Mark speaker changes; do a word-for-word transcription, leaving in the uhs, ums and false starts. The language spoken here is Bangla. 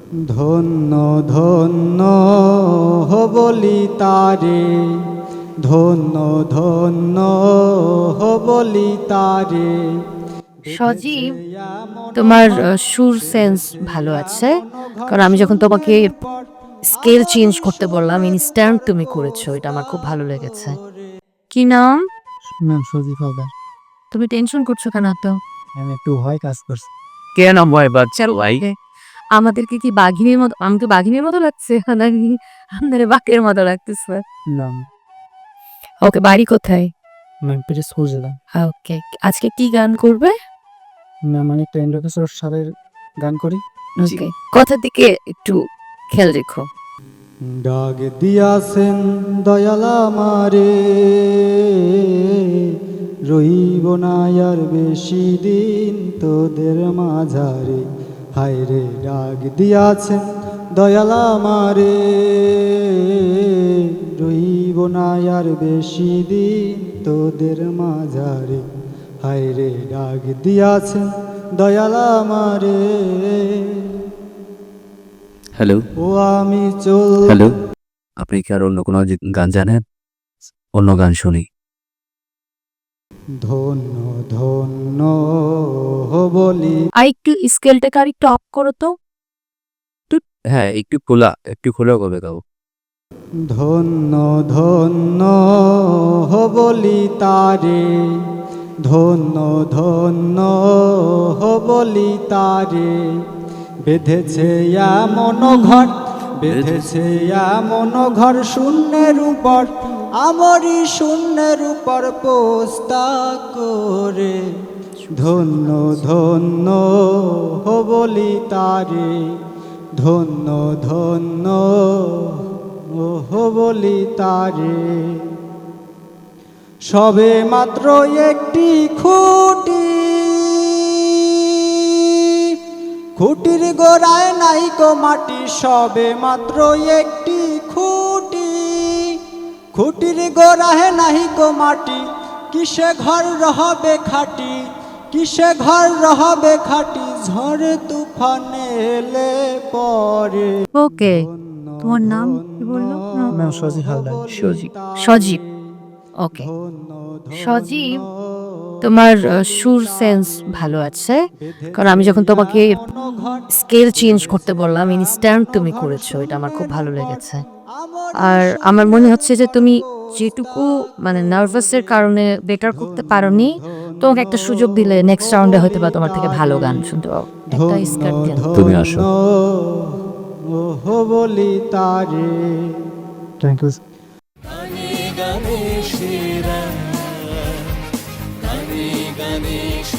Speaker 1: ধন্য ধন্য বলি তারে, ধন্য ধন্য বলি তারে।
Speaker 2: সজীব, তোমার আহ, সুর সেন্স ভালো আছে, কারণ আমি যখন তোমাকে স্কেল চেঞ্জ করতে বললাম ইনস্ট্যান্ট তুমি করেছো, এটা আমার খুব ভালো লেগেছে। কি নাম?
Speaker 1: ম্যাম সজীব হালদার।
Speaker 2: তুমি টেনশন করছো কেন তো?
Speaker 1: আমি একটু ভয় কাজ করছি।
Speaker 3: কেন ভয় পাচ্ছেন ভাই?
Speaker 2: আমাদেরকে কি বাঘিনীর মতো, আমাকে বাঘিনীর মতো লাগছে নাকি আমাদের বাঘের মতো লাগতেছে?
Speaker 1: না
Speaker 2: ওকে, বাড়ি কোথায়?
Speaker 1: ম্যাম পেটে সজেলাম।
Speaker 2: ওকে, আজকে কি গান করবে?
Speaker 1: ম্যাম আমি একটা ইন্দ্রকিশোর স্যারের গান করি।
Speaker 2: ওকে, কথার দিকে একটু খেয়াল রেখো।
Speaker 1: ডাক দিয়াছেন দয়াল আমারে, রইব না আর বেশি দিন তোদের মাঝারে। হায় রে ডাক দিয়াছেন দয়াল আমারে, রইব না আর বেশি দিন তোদের মাঝারে। হায় রে ডাক দিয়াছেন দয়াল আমারে।
Speaker 3: হ্যালো
Speaker 1: ও আমি চল।
Speaker 3: হ্যালো, আপনি কি আর অন্য কোনো জি- গান জানেন? অন্য গান শুনি।
Speaker 1: ধন্য ধন্য বলি।
Speaker 2: আর একটু স্কেলটাকে আর একটু অফ করো তো।
Speaker 3: হ্যাঁ, একটু খোলা, একটু খোলা কবে গাও।
Speaker 1: ধন্য ধন্য বলি তারে, ধন্য ধন্য বলি তারে। বেঁধেছে এমন ঘর, বেঁধেছে এমন ঘর শূন্যের উপর, আমারই শূন্যের উপর পোস্তা করে। ধন্য ধন্য বলি তারে, ধন্য ধন্য বলি তারে। সবে মাত্র একটি খুঁটি, খুঁটির গোড়ায় নাইকো মাটি। সবে মাত্র একটি খুঁটি, খুঁটির গোড়ায় নাহিকো মাটি। কিসে ঘর রহবে খাটি, কিসে ঘর রহবে খাটি। ঝড় তুফানে এলে পরে।
Speaker 2: ওকে, তোমার নাম কি বললো?
Speaker 1: ম্যাম সজীব হালদার।
Speaker 2: সজীব। সজীব, ওকে। সজীব, তোমার আহ, সুর সেন্স ভালো আছে, কারণ আমি যখন তোমাকে স্কেল চেঞ্জ করতে বললাম ইনস্ট্যান্ট তুমি করেছো, এটা আমার খুব ভালো লেগেছে। আর আমার মনে হচ্ছে যে তুমি যেটুকু মানে নার্ভাসের কারণে বেটার করতে পারোনি, তোমাকে একটা সুযোগ দিলে নেক্সট রাউন্ডে হয়তো বা তোমার থেকে ভালো গান শুনতে পাবো। একটা স্কার দেন।
Speaker 3: তুমি আসো।
Speaker 1: বলি তারে। Thank you.
Speaker 4: গানে গানে সেরা, গানে গানে সেরা।